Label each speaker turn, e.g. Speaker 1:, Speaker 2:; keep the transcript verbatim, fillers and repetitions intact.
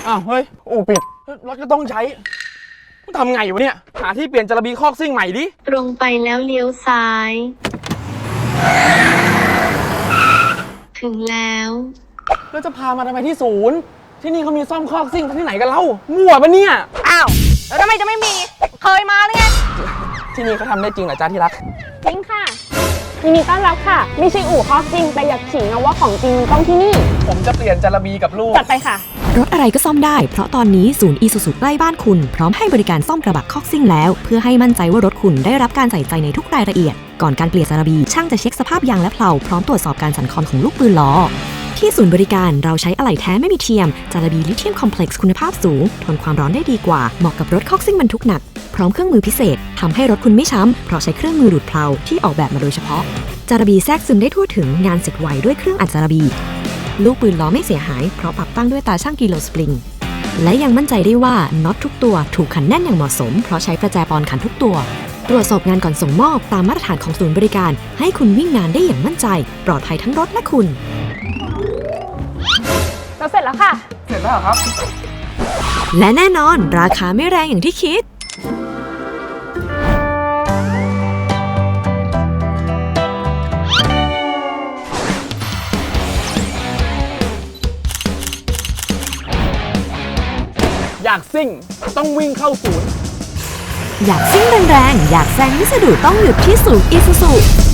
Speaker 1: อ้าวเฮ้ยอู่ปิดรถก็ต้องใช้ทำไงวะเนี่ยหาที่เปลี่ยนจระบีคอกซิ่งใหม่ดิ
Speaker 2: ตรงไปแล้วเลี้ยวซ้าย ถึงแล้ว
Speaker 1: แล้วจะพามาทำไมที่ศูนย์ที่นี่เขามีซ่อมคอกซิ่งที่ไหนกันเล่ามั่วปะเนี่ย
Speaker 3: อ้าวแล้วทำไมจะไม่มีเคยมาหรือไง
Speaker 1: ที่นี่เขาทำได้จริงเหรอจ้าที่รัก
Speaker 4: จริงค่ะยินดีต้อนรับค่ะไม่ใช่อู่คอกซิ่งแต่อยากขิงนะว่าของจริงต้องที่นี่
Speaker 1: ผมจะเปลี่ยนจระบีกับลูก
Speaker 4: จัดไปค่ะ
Speaker 5: รถอะไรก็ซ่อมได้เพราะตอนนี้ศูนย์อีซูซูใกล้บ้านคุณพร้อมให้บริการซ่อมกระบะคอกซิ่งแล้วเพื่อให้มั่นใจว่ารถคุณได้รับการใส่ใจในทุกรายละเอียดก่อนการเปลี่ยนจระบีช่างจะเช็คสภาพยางและเพลาพร้อมตรวจสอบการสั่นคลอนของลูกปืนล้อที่ศูนย์บริการเราใช้อะไหล่แท้ไม่มีเทียมจระบีลิเธียมคอมเพล็กซ์คุณภาพสูงทนความร้อนได้ดีกว่าเหมาะกับรถคอกซิ่งบรรทุกหนักพร้อมเครื่องมือพิเศษทำให้รถคุณไม่ช้ำเพราะใช้เครื่องมือดูดเพลาที่ออกแบบมาโดยเฉพาะจระบีแทรกซึมได้ทั่วถึงงานเสร็จไวด้วยเครื่องอัดจระบีลูกปืนล้อไม่เสียหายเพราะปรับตั้งด้วยตาช่างกิโลสปริงและยังมั่นใจได้ว่าน็อตทุกตัวถูกขันแน่นอย่างเหมาะสมเพราะใช้ประแจปอนขันทุกตัวตรวจสอบงานก่อนส่งมอบตามมาตรฐานของศูนย์บริการให้คุณวิ่งงานได้อย่างมั่นใจปลอดภัยทั้งรถและคุณ
Speaker 4: เราเสร็จแล้วค่ะ
Speaker 1: เสร็จแล้วครับ
Speaker 5: และแน่นอนราคาไม่แรงอย่างที่คิด
Speaker 1: อยากซิ่งต้องวิ่งเข้าศูนย์
Speaker 5: อยากซิ่งแรงๆอยากแซงไม่สะดุดต้องหยุดที่ศูนย์อีซูซู